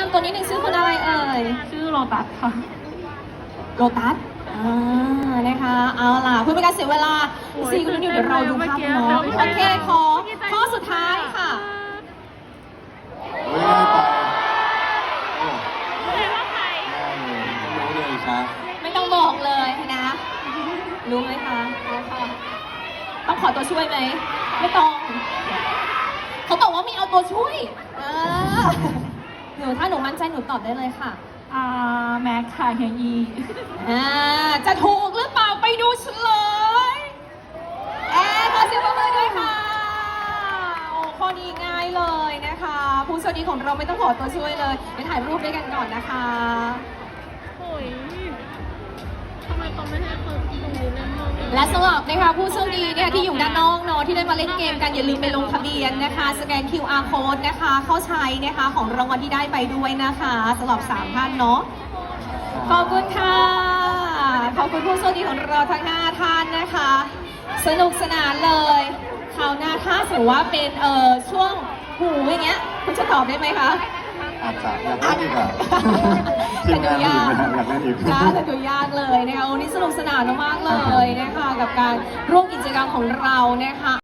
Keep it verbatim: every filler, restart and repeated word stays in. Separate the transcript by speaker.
Speaker 1: ำตัวนิดนึงชื่อคุณอะไรเอ่ย
Speaker 2: ชื่อโลตัสค่ะ
Speaker 1: โลตัสอ่านะคะเอาล่ะเพื่อเป็นการเสียเวลาสี่คุณนุ่นเดี๋ยวเราดูภาพเนาะโอเคขอข้อสุดท้ายค่ะ
Speaker 3: เฮ้ยไปโอ้
Speaker 2: เรียกว่าใคร
Speaker 3: ไม่รู้เลยครับ
Speaker 1: ไม่ต้องบอกเลยนะ รู้ไหมคะรู้ค่ะต้องขอตัวช่วยไหมไม่ต้อง เขาบอกว่ามีเอาตัวช่วยเออหนูถ้าหนูมั่นใจหนูตอบได้เลยค่ะ
Speaker 2: อ่าแม็กค่ะเฮียอี
Speaker 1: อ่าจะถูกหรือเปล่าไปดูเฉลยแอร์ขอเสียงปรบมือด้วยค่ะโอ้ข้อนี้ง่ายเลยนะคะ ผู้โชคดีของเราไม่ต้องขอตัวช่วยเลยไปถ่ายรูปด้วยกันก่อนนะคะ
Speaker 2: โอ้ยทำไมเขาไม่ให้คนตรงนี้เล่นมั่ง
Speaker 1: และสำหรับนะคะผู้โชคดีเนี่ยที่อยู่ด้านนอกเนาะที่ได้มาเล่นเกมกันอย่าลืมไปลงทะเบียนนะคะสแกน คิว อาร์ code นะคะเข้าใช้นะคะของรางวัลที่ได้ไปด้วยนะคะสำหรับสามท่านเนาะขอบคุณค่ะขอบคุณผู้โชคดีของเราทั้งห้าท่านนะคะ สนุกสนานเลยคราวหน้าถ้าสมมติว่าเป็นเอ่อช่วงหูอย่างเงี้ยคุณจะตอบได้ไหมคะ
Speaker 3: อาจจะอยากเล่นอีกอ่ะที
Speaker 1: แต่
Speaker 3: ม
Speaker 1: ดู
Speaker 3: งาน
Speaker 1: ยาก
Speaker 3: ทีมงานอยากเล่นอีก
Speaker 1: จ้าแต่ดูยากเลยนะคะวันนี้สนุกสนานมากๆเลยนะคะกับการร่วมกิจกรรมของเรานะคะ